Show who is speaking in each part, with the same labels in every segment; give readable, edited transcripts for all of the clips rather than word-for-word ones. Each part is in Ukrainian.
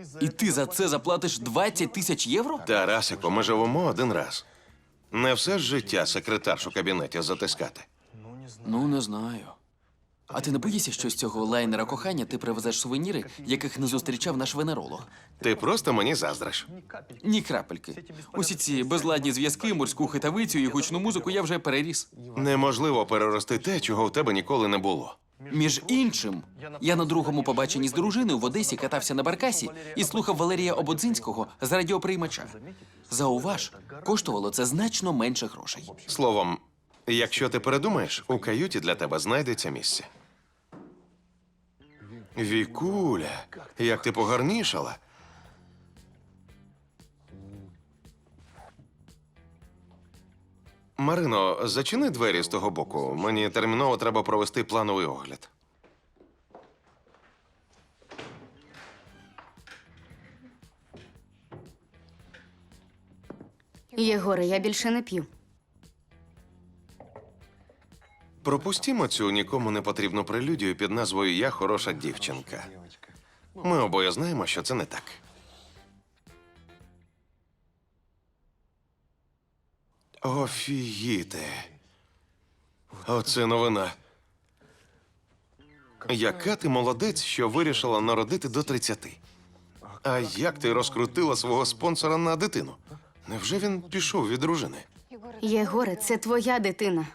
Speaker 1: І ти за це заплатиш 20 тисяч євро?
Speaker 2: Тарасику, ми живемо один раз. Не все ж життя секретарш у кабінеті затискати.
Speaker 1: Ну, не знаю. А ти не боїшся, що з цього лайнера кохання ти привезеш сувеніри, яких не зустрічав наш венеролог?
Speaker 2: Ти просто мені заздриш.
Speaker 1: Ні крапельки. Усі ці безладні зв'язки, морську хитавицю і гучну музику я вже переріс.
Speaker 2: Неможливо перерости те, чого в тебе ніколи не було.
Speaker 1: Між іншим, я на другому побаченні з дружиною в Одесі катався на баркасі і слухав Валерія Ободзинського з радіоприймача. Зауваж, коштувало це значно менше грошей.
Speaker 2: Словом, якщо ти передумаєш, у каюті для тебе знайдеться місце. Вікуля, як ти погарнішала. Марино, зачини двері з того боку. Мені терміново треба провести плановий огляд.
Speaker 3: Єгоре, я більше не п'ю.
Speaker 2: Пропустімо цю нікому не потрібну прелюдію під назвою «Я хороша дівчинка». Ми обоє знаємо, що це не так. Офігіти. Оце новина. Яка ти молодець, що вирішила народити до 30. А як ти розкрутила свого спонсора на дитину? Невже він пішов від дружини?
Speaker 3: Єгоре, це твоя дитина.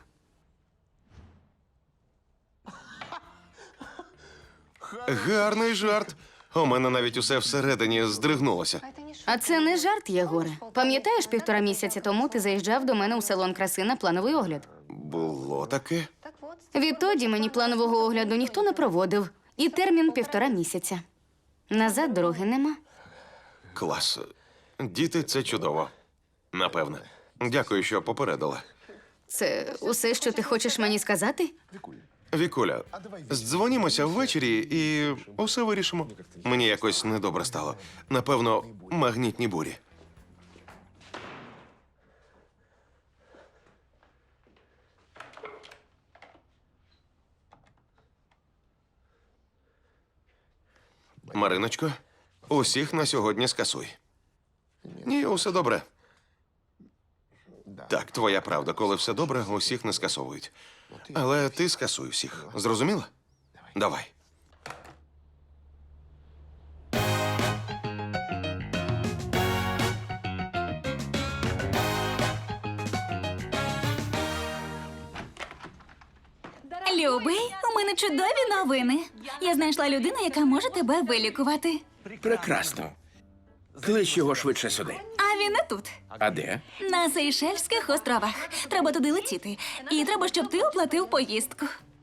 Speaker 2: Гарний жарт. У мене навіть усе всередині здригнулося.
Speaker 3: А це не жарт, Єгоре. Пам'ятаєш, 1,5 місяця тому ти заїжджав до мене у салон краси на плановий огляд?
Speaker 2: Було таке?
Speaker 3: Відтоді мені планового огляду ніхто не проводив. І термін 1,5 місяця. Назад дороги нема.
Speaker 2: Клас. Діти – це чудово. Напевне. Дякую, що попередила.
Speaker 3: Це усе, що ти хочеш мені сказати?
Speaker 2: Вікуля, здзвонімося ввечері і усе вирішимо. Мені якось недобре стало. Напевно, магнітні бурі. Мариночко, усіх на сьогодні скасуй. Ні, усе добре. Так, твоя правда. Коли все добре, усіх не скасовують. Але ти скасуй всіх. Зрозуміла? Давай.
Speaker 4: Любий, у мене чудові новини. Я знайшла людину, яка може тебе вилікувати.
Speaker 5: Прекрасно. Клич його швидше сюди.
Speaker 4: А він не тут.
Speaker 5: А де?
Speaker 4: На Сейшельських островах. Треба туди летіти. І треба, щоб ти оплатив поїздку.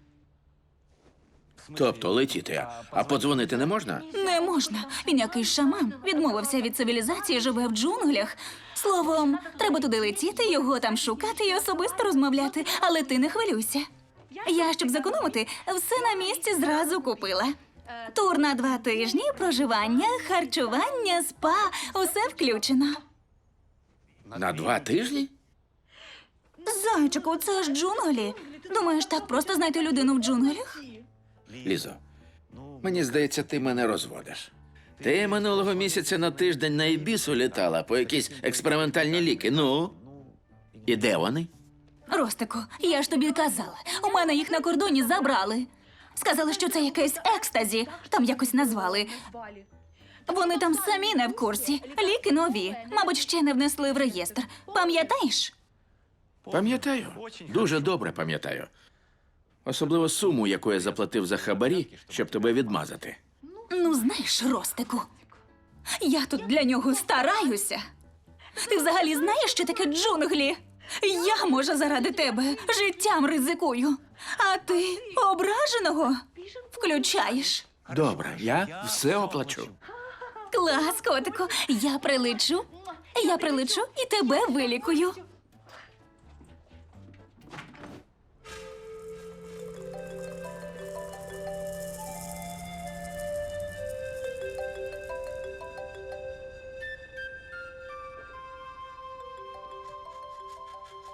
Speaker 5: Тобто летіти, а подзвонити не можна?
Speaker 4: Не можна. Він якийсь шаман. Відмовився від цивілізації, живе в джунглях. Словом, треба туди летіти, його там шукати і особисто розмовляти. Але ти не хвилюйся. Я, щоб зекономити, все на місці зразу купила. Тур на 2 тижні, проживання, харчування, спа – усе включено.
Speaker 5: На 2 тижні?
Speaker 4: Зайчику, це ж джунглі. Думаєш, так просто знайти людину в джунглях?
Speaker 5: Лізо, мені здається, ти мене розводиш. Ти минулого місяця на тиждень на Ібісу літала по якісь експериментальні ліки. Ну? І де вони?
Speaker 4: Ростику, я ж тобі казала, у мене їх на кордоні забрали. Сказали, що це якесь екстазі, там якось назвали. Вони там самі не в курсі. Ліки нові, мабуть, ще не внесли в реєстр. Пам'ятаєш?
Speaker 5: Пам'ятаю. Дуже добре пам'ятаю. Особливо суму, яку я заплатив за хабарі, щоб тебе відмазати.
Speaker 4: Ну, знаєш, Ростику, я тут для нього стараюся. Ти взагалі знаєш, що таке джунглі? Я, може, заради тебе життям ризикую. А ти ображеного включаєш.
Speaker 5: Добре, я все оплачу.
Speaker 4: Клас, котику, я прилечу і тебе вилікую.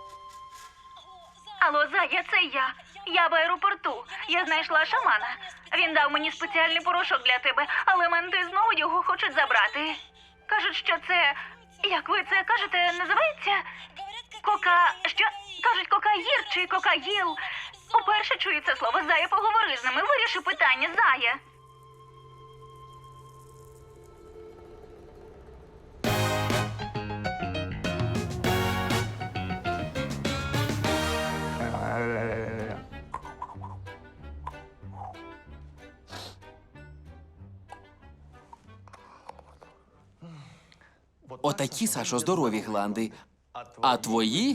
Speaker 4: Алло, Зая, це я. Я в аеропорту. Я знайшла шамана. Він дав мені спеціальний порошок для тебе, але менти знову його хочуть забрати. Кажуть, що це, як ви це кажете, називається? Що? Кажуть, кокаїр чи кокаїл. Уперше чую це слово. Зая, поговори з ними, виріши питання, Зая.
Speaker 1: Отакі, Сашо, здорові гланди. А твої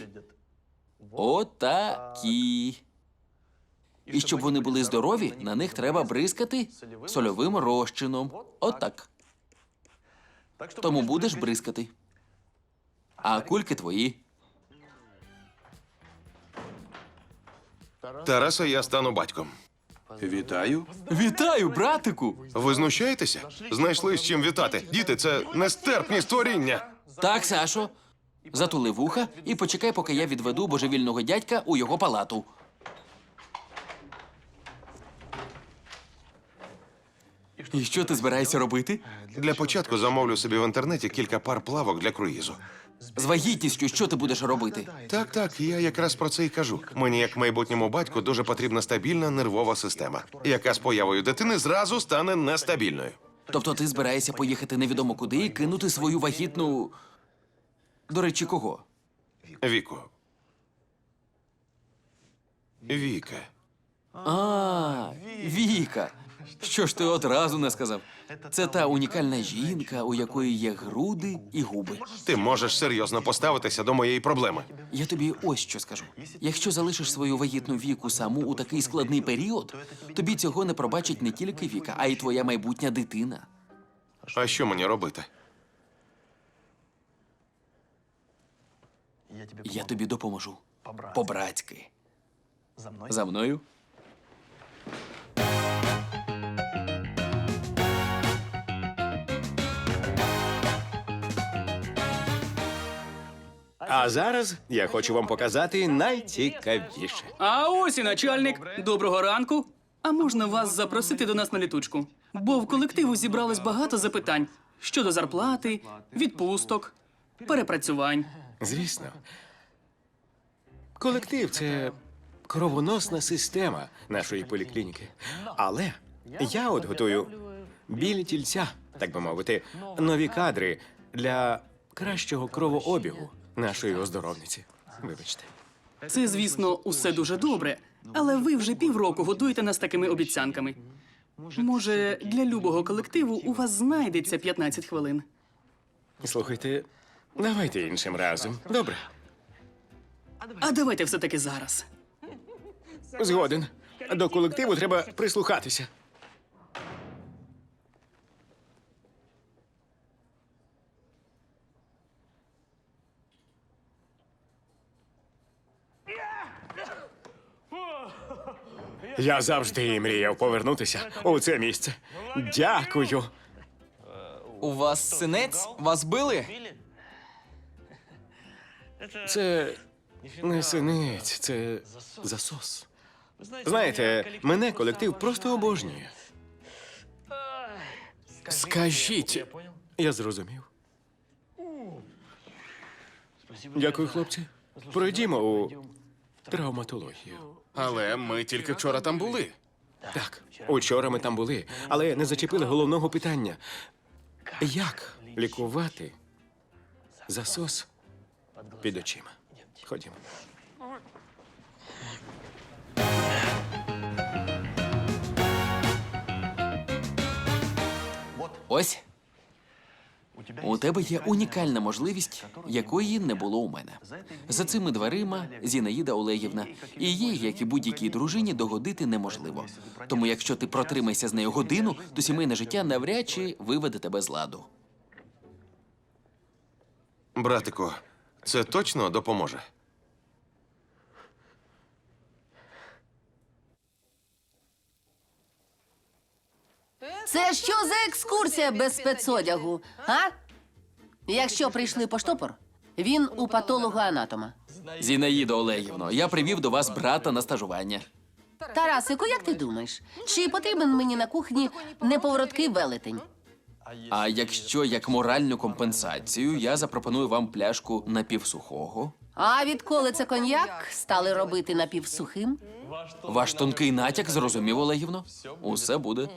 Speaker 1: отакі. І щоб вони були здорові, на них треба бризкати сольовим розчином. Отак. Тому будеш бризкати. А кульки твої.
Speaker 2: Тараса, я стану батьком.
Speaker 6: Вітаю.
Speaker 1: Вітаю, братику!
Speaker 2: Ви знущаєтеся? Знайшли з чим вітати. Діти, це нестерпні створіння.
Speaker 1: Так, Сашо. Затули вуха і почекай, поки я відведу божевільного дядька у його палату. І що ти збираєшся робити?
Speaker 2: Для початку замовлю собі в інтернеті кілька пар плавок для круїзу.
Speaker 1: З вагітністю що ти будеш робити?
Speaker 2: Так, я якраз про це і кажу. Мені, як майбутньому батьку, дуже потрібна стабільна нервова система, яка з появою дитини зразу стане нестабільною.
Speaker 1: Тобто ти збираєшся поїхати невідомо куди і кинути свою вагітну... До речі, кого?
Speaker 2: Віку. Віка.
Speaker 1: А, Віка. Що ж ти одразу не сказав? Це та унікальна жінка, у якої є груди і губи.
Speaker 2: Ти можеш серйозно поставитися до моєї проблеми.
Speaker 1: Я тобі ось що скажу. Якщо залишиш свою вагітну Віку саму у такий складний період, тобі цього не пробачить не тільки Віка, а й твоя майбутня дитина.
Speaker 2: А що мені робити?
Speaker 1: Я тобі допоможу. По-братськи. За мною?
Speaker 7: А зараз я хочу вам показати найцікавіше.
Speaker 8: А ось і начальник. Доброго ранку. А можна вас запросити до нас на літучку? Бо в колективу зібралось багато запитань щодо зарплати, відпусток, перепрацювань.
Speaker 7: Звісно. Колектив це кровоносна система нашої поліклініки. Але я от готую білі тільця, так би мовити, нові кадри для кращого кровообігу нашої оздоровниці. Вибачте.
Speaker 8: Це, звісно, усе дуже добре, але ви вже півроку годуєте нас такими обіцянками. Може, для любого колективу у вас знайдеться 15 хвилин.
Speaker 7: Слухайте, давайте іншим разом. Добре.
Speaker 8: А давайте все-таки зараз.
Speaker 7: Згоден. До колективу треба прислухатися. Я завжди мріяв повернутися у це місце. Дякую.
Speaker 1: У вас синець? Вас били?
Speaker 7: Це не синець, це засос. Знаєте, мене колектив просто обожнює. Скажіть. Я зрозумів. Дякую, хлопці. Пройдімо у травматологію.
Speaker 6: Але ми тільки вчора там були.
Speaker 7: Так, учора ми там були, але не зачепили головного питання. Як лікувати засос під очима? Ходімо.
Speaker 1: Ось. У тебе є унікальна можливість, якої не було у мене. За цими дверима Зінаїда Олегівна. І їй, як і будь-якій дружині, догодити неможливо. Тому якщо ти протримайся з нею годину, то сімейне життя навряд чи виведе тебе з ладу.
Speaker 2: Братику, це точно допоможе?
Speaker 9: Це що за екскурсія без спецодягу, а? Якщо прийшли по штопор, він у патолога-анатома.
Speaker 1: Зінаїдо Олегівно, я привів до вас брата на стажування.
Speaker 9: Тарасику, як ти думаєш, чи потрібен мені на кухні неповороткий велетень?
Speaker 1: А якщо як моральну компенсацію я запропоную вам пляшку напівсухого,
Speaker 9: А відколи це коньяк стали робити напівсухим?
Speaker 1: ваш тонкий натяк зрозумів, Олегівно? Усе буде.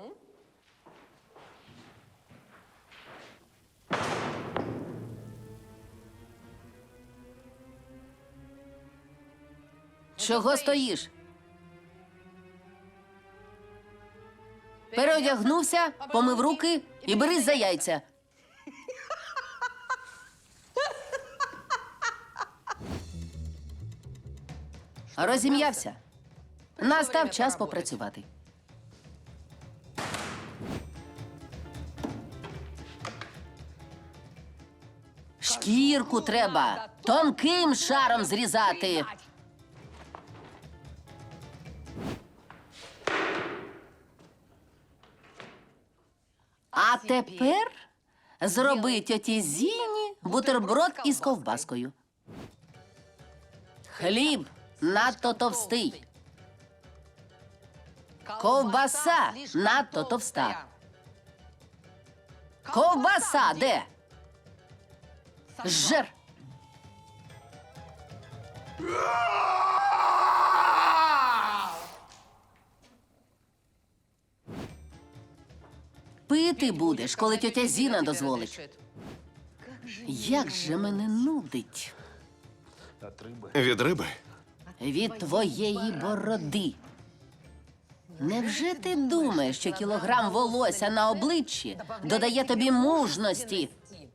Speaker 9: Чого стоїш? Переодягнувся, помив руки і берись за яйця. Розім'явся. Настав час попрацювати. Шкірку треба тонким шаром зрізати. А тепер зроби тьоті Зіні бутерброд із ковбаскою. Хліб надто товстий. Ковбаса надто товста. Ковбаса де? Жер. Пити будеш, коли тьотя Зіна дозволить. Як же мене нудить
Speaker 2: Від риби?
Speaker 9: від твоєї бороди. Невже ти думаєш, що кілограм волосся на обличчі додає тобі мужності?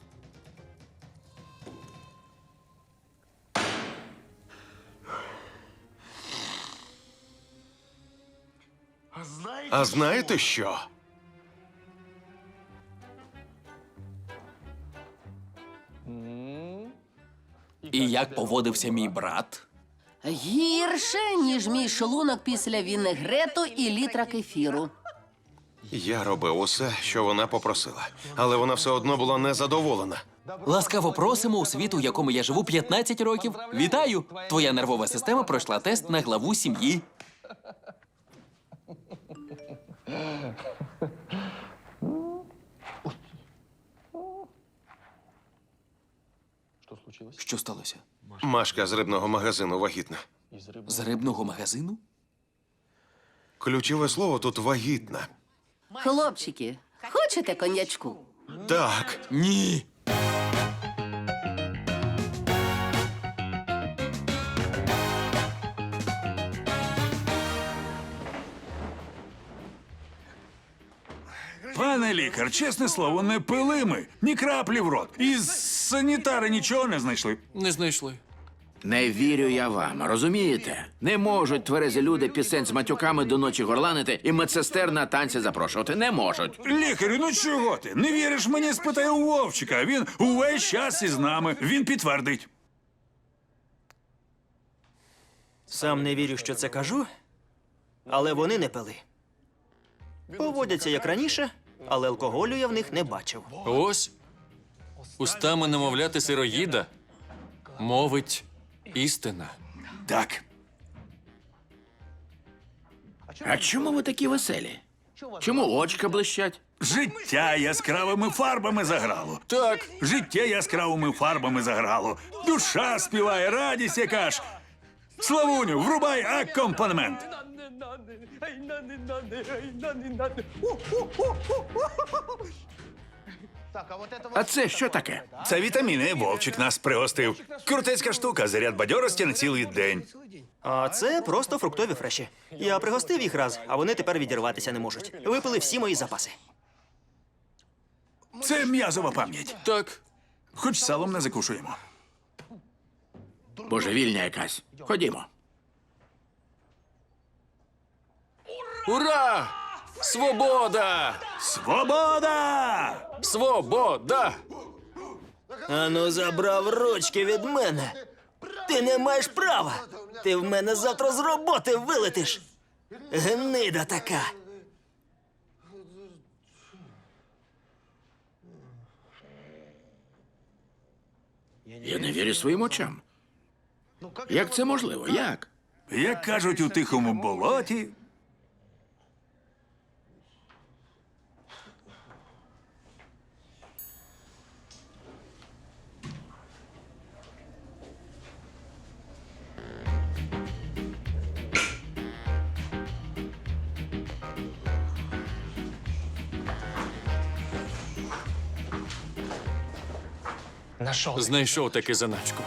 Speaker 2: А знаєте що?
Speaker 1: І як поводився мій брат?
Speaker 9: Гірше, ніж мій шлунок після вінегрету і літра кефіру.
Speaker 2: Я робив усе, що вона попросила, але вона все одно була незадоволена.
Speaker 1: Ласкаво просимо у світ, у якому я живу 15 років. Вітаю! Твоя нервова система пройшла тест на главу сім'ї. Що сталося?
Speaker 2: Машка з рибного магазину вагітна.
Speaker 1: З рибного магазину?
Speaker 2: Ключове слово тут вагітна.
Speaker 9: Хлопчики, хочете коньячку?
Speaker 2: Так,
Speaker 1: Ні.
Speaker 10: Пане лікар, чесне слово, не пили ми. Ні краплі в рот. Із санітари нічого не знайшли.
Speaker 1: Не знайшли.
Speaker 5: Не вірю я вам, розумієте? Не можуть тверезі люди пісень з матюками до ночі горланити і медсестер на танці запрошувати. Не можуть.
Speaker 10: Лікарю, ну чого ти? Не віриш мені? Спитай у Вовчика. Він увесь час із нами. Він підтвердить.
Speaker 11: Сам не вірю, що це кажу, але вони не пили. Поводяться як раніше, але алкоголю я в них не бачив.
Speaker 12: Ось устами немовляти сироїда мовить істина.
Speaker 10: Так.
Speaker 5: А чому ви такі веселі? Чому очка блищать?
Speaker 10: Життя яскравими фарбами заграло. Так, життя яскравими фарбами заграло. Душа співає, радість яка ж. Славуню, врубай акомпанемент.
Speaker 5: А це що таке?
Speaker 10: Це вітаміни, Вовчик нас пригостив. Крутецька штука, заряд бадьорості на цілий день.
Speaker 11: А це просто фруктові фреші. Я пригостив їх раз, а вони тепер відірватися не можуть. Випили всі мої запаси.
Speaker 10: Це м'язова пам'ять.
Speaker 12: Так,
Speaker 10: Хоч салом не закушуємо.
Speaker 5: Божевільня якась. Ходімо.
Speaker 12: ура! Свобода!
Speaker 10: Свобода!
Speaker 12: Свобода!
Speaker 11: Ану, забрав ручки від мене. Ти не маєш права. Ти в мене завтра з роботи вилетиш. Гнида така.
Speaker 5: Я не вірю своїм очам. Як це можливо? Як?
Speaker 10: Як кажуть у тихому болоті.
Speaker 12: Знайшов таки заначку.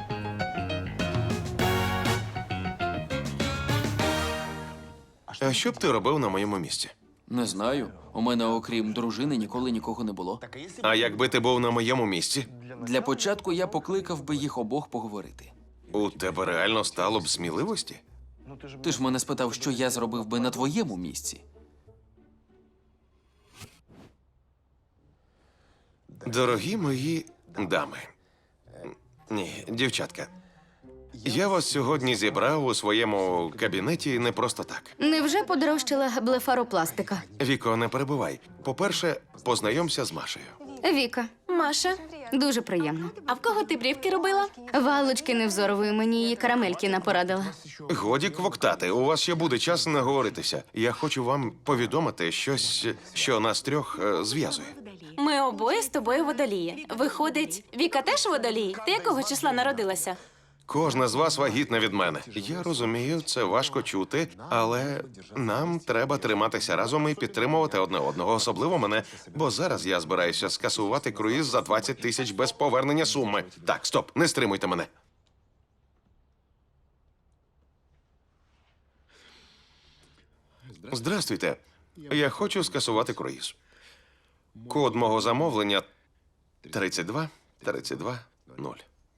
Speaker 2: А що б ти робив на моєму місці?
Speaker 1: Не знаю. У мене, окрім дружини, ніколи нікого не було.
Speaker 2: А якби ти був на моєму місці,
Speaker 1: Для початку я покликав би їх обох поговорити.
Speaker 2: у тебе реально стало б сміливості?
Speaker 1: Ти ж мене спитав, що я зробив би на твоєму місці.
Speaker 2: Дорогі мої дами. Ні, дівчатка. Я вас сьогодні зібрав у своєму кабінеті не просто так.
Speaker 3: Невже подорожчала блефаропластика?
Speaker 2: Віко, не перебувай. По-перше, познайомся з Машею.
Speaker 3: Віка,
Speaker 9: Маша,
Speaker 3: дуже приємно.
Speaker 9: а в кого ти брівки робила?
Speaker 3: Валочки невзорової мені її карамельки напорадила.
Speaker 2: Годі квоктати, у вас ще буде час наговоритися. Я хочу вам повідомити щось, що нас трьох зв'язує.
Speaker 9: Ми обоє з тобою водолії. Виходить, Віка теж водолій? Ти якого числа народилася?
Speaker 2: Кожна з вас вагітна від мене. Я розумію, це важко чути, але нам треба триматися разом і підтримувати одне одного, особливо мене, бо зараз я збираюся скасувати круїз за 20 тисяч без повернення суми. Так, стоп, не стримуйте мене. Здрастуйте. Я хочу скасувати круїз. Код мого замовлення 32 0.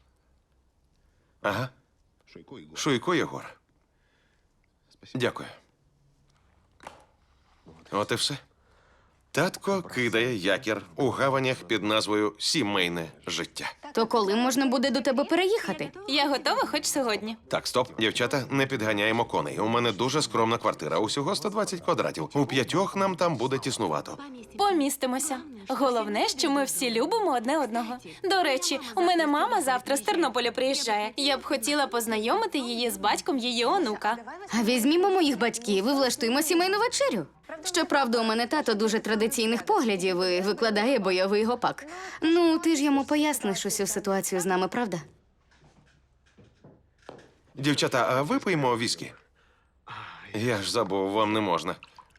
Speaker 2: Ага. Шуйко Єгор. Дякую. От і все. Татко кидає якір у гаванях під назвою Сімейне життя.
Speaker 3: То коли можна буде до тебе переїхати?
Speaker 9: Я готова хоч сьогодні.
Speaker 2: Так, стоп, дівчата, не підганяємо коней. У мене дуже скромна квартира, усього 120 квадратів. У 5 нам там буде тіснувато.
Speaker 9: Помістимося. Головне, що ми всі любимо одне одного. До речі, у мене мама завтра з Тернополя приїжджає. Я б хотіла познайомити її з батьком її онука.
Speaker 3: А візьмімо моїх батьків і влаштуємо сімейну вечерю. Щоправда, у мене тато дуже традиційних поглядів і викладає бойовий гопак. Ну, ти ж йому поясниш усю ситуацію з нами, правда?
Speaker 2: Дівчата, а випиймо віскі? Я ж забув, вам не можна.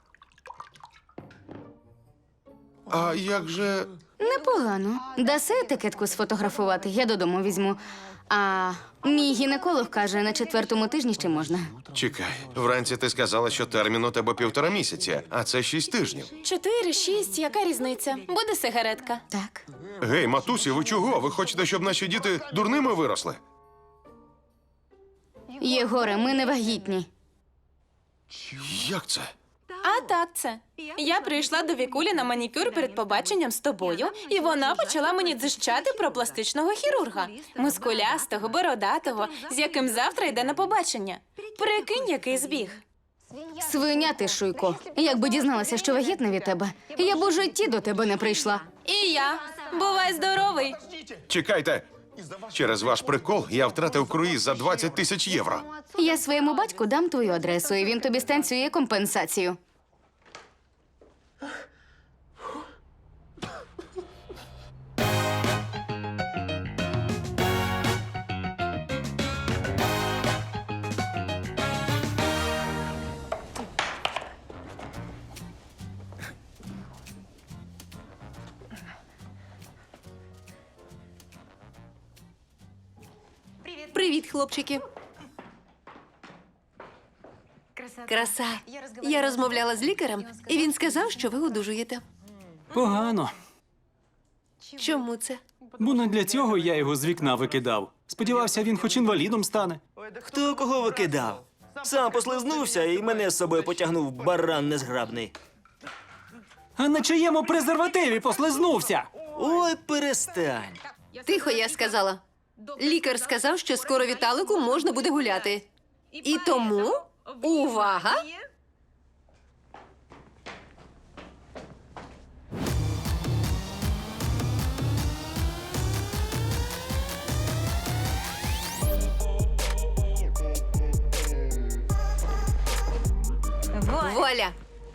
Speaker 2: А як же...
Speaker 3: Непогано. Даси етикетку сфотографувати, я додому візьму. А мій гінеколог каже, на 4-му тижні ще можна.
Speaker 2: Чекай, вранці ти сказала, що термін у тебе 1,5 місяця, а це 6 тижнів.
Speaker 9: 4, 6, яка різниця? Буде сигаретка.
Speaker 3: Так.
Speaker 2: Гей, матусі, ви чого? Ви хочете, щоб наші діти дурними виросли?
Speaker 3: Єгоре, ми не вагітні.
Speaker 2: Як це?
Speaker 9: А так це. Я прийшла до Вікулі на манікюр перед побаченням з тобою, і вона почала мені дзищати про пластичного хірурга. Мускулястого, бородатого, з яким завтра йде на побачення. Прикинь, який збіг.
Speaker 3: Свиня ти, Шуйко. Якби дізналася, що вагітна від тебе, я б у житті до тебе не прийшла.
Speaker 9: І я. Бувай здоровий.
Speaker 2: Чекайте! Через ваш прикол я втратив круїз за 20 тисяч євро.
Speaker 3: Я своєму батьку дам твою адресу, і він тобі станцює компенсацію.
Speaker 9: Привіт, хлопчики. Краса. Я розмовляла з лікарем, і він сказав, що ви одужуєте.
Speaker 8: Погано.
Speaker 9: Чому це?
Speaker 8: Бо не для цього я його з вікна викидав. Сподівався, він хоч інвалідом стане.
Speaker 11: Хто кого викидав? Сам послизнувся і мене з собою потягнув баран незграбний.
Speaker 8: А на чиєму презервативі послизнувся?
Speaker 11: Ой, перестань.
Speaker 9: Тихо, я сказала. Лікар сказав, що скоро Віталику можна буде гуляти. І тому увага!
Speaker 13: Воля!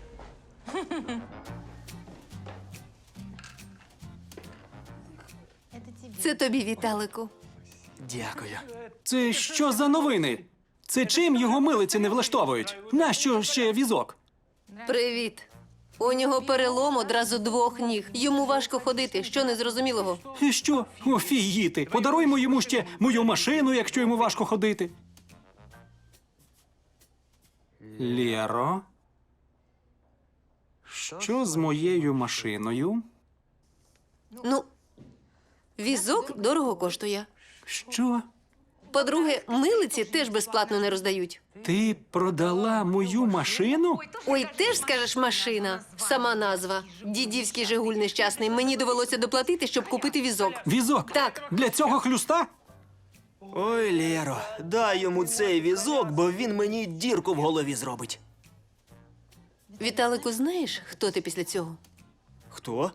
Speaker 13: Це тобі, Віталику.
Speaker 11: Дякую.
Speaker 8: Це що за новини? Це чим його милиці не влаштовують? Нащо ще візок?
Speaker 13: Привіт. У нього перелом одразу 2 ніг. Йому важко ходити. Що незрозумілого?
Speaker 8: І що? Офігіти. Подаруймо йому ще мою машину, якщо йому важко ходити. Лєро? Що з моєю машиною?
Speaker 13: Ну, візок дорого коштує.
Speaker 8: Що?
Speaker 13: По-друге, милиці теж безплатно не роздають.
Speaker 8: Ти продала мою машину?
Speaker 13: Ой, теж скажеш машина. Сама назва. Дідівський Жигуль нещасний. Мені довелося доплатити, щоб купити візок.
Speaker 8: Візок?
Speaker 13: Так.
Speaker 8: Для цього хлюста?
Speaker 11: Ой, Лєро, дай йому цей візок, бо він мені дірку в голові зробить.
Speaker 13: Віталику, знаєш, хто ти після цього?
Speaker 11: Хто?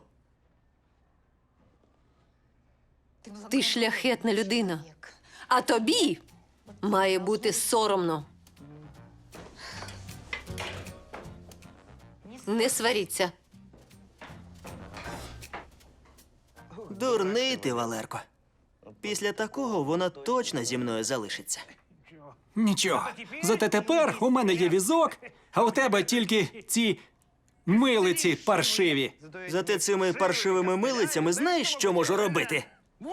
Speaker 13: Ти шляхетна людина. А тобі має бути соромно. Не сваріться.
Speaker 11: Дурний ти, Валерко. Після такого вона точно зі мною залишиться.
Speaker 8: Нічого. Зате тепер у мене є візок, а у тебе тільки ці милиці паршиві.
Speaker 11: Зате цими паршивими милицями знаєш, що можу робити?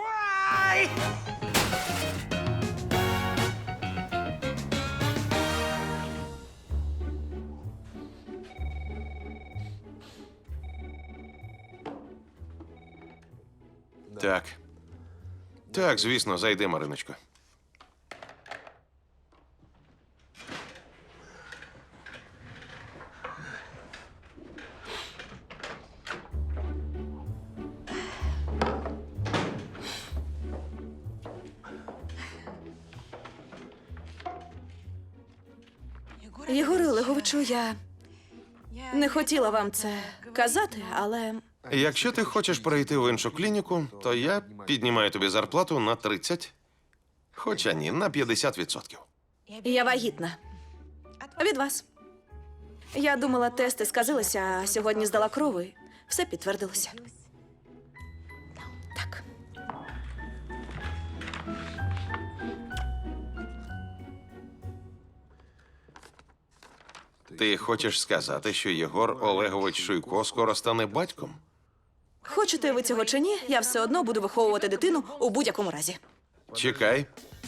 Speaker 2: Так. Так, звісно, зайди, Мариночко.
Speaker 9: Єгоре Олеговичу, я не хотіла вам це казати, але
Speaker 2: Якщо ти хочеш перейти в іншу клініку, то я піднімаю тобі зарплату на 30. Хоча ні, на 50%.
Speaker 9: я вагітна. Від вас. Я думала, тести сказилися, а сьогодні здала кров і все підтвердилося. Так.
Speaker 2: Ти хочеш сказати, що Єгор Олегович Шуйко скоро стане батьком?
Speaker 9: Хочете ви цього чи ні, я все одно буду виховувати дитину у будь-якому разі.
Speaker 2: Чекай.